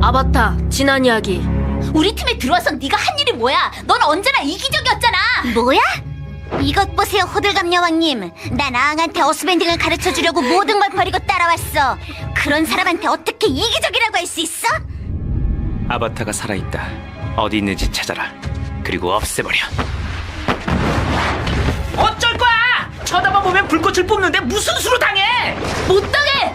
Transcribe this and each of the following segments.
아바타, 지난 이야기. 우리 팀에 들어와서 네가 한 일이 뭐야? 넌 언제나 이기적이었잖아. 뭐야? 이것 보세요, 호들갑 여왕님. 난 아앙한테 어스밴딩을 가르쳐주려고 모든 걸 버리고 따라왔어. 그런 사람한테 어떻게 이기적이라고 할 수 있어? 아바타가 살아있다. 어디 있는지 찾아라. 그리고 없애버려. 어쩔 거야! 쳐다만 보면 불꽃을 뿜는데 무슨 수로 당해! 못 당해.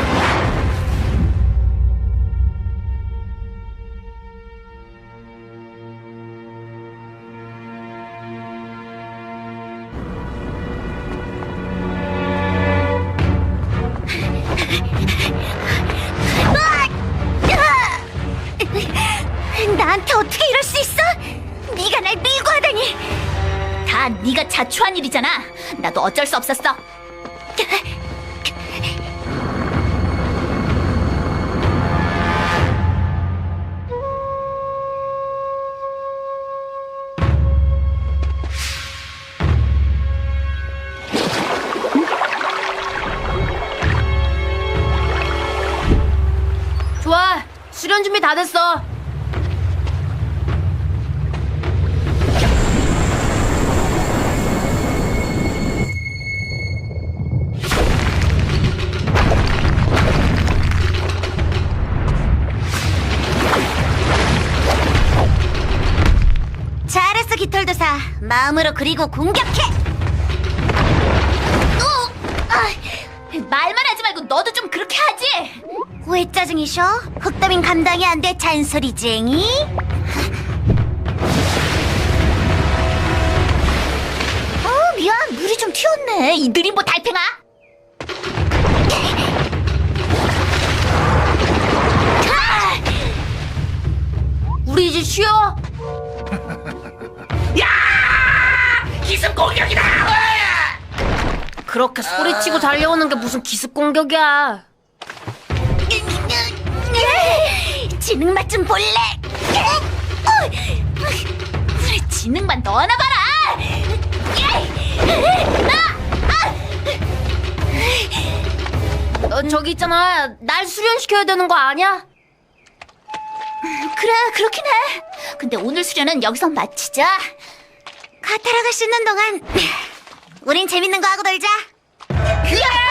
나한테 어떻게 이럴 수 있어? 네가 날 밀고 하다니. 다 네가 자초한 일이잖아. 나도 어쩔 수 없었어. 좋아, 수련 준비 다 됐어. 잘했어, 깃털도사. 마음으로 그리고 공격해. 말만 하지 말고 너도 좀 그렇게 하지. 왜 짜증이셔? 흑더민 감당이 안 돼, 잔소리쟁이. 미안, 물이 좀 튀었네. 이 느림보 달팽아. 우리 이제 쉬어. 기습 공격이다! 그렇게 소리치고 달려오는 게 무슨 기습 공격이야. 지능 맛 좀 볼래? 그래, 지능만 넣어놔 봐라. 너 저기 있잖아. 날 수련시켜야 되는 거 아니야? 그래, 그렇긴 해. 근데 오늘 수련은 여기서 마치자. 카타라가 씻는 동안 우린 재밌는 거 하고 놀자. 으아!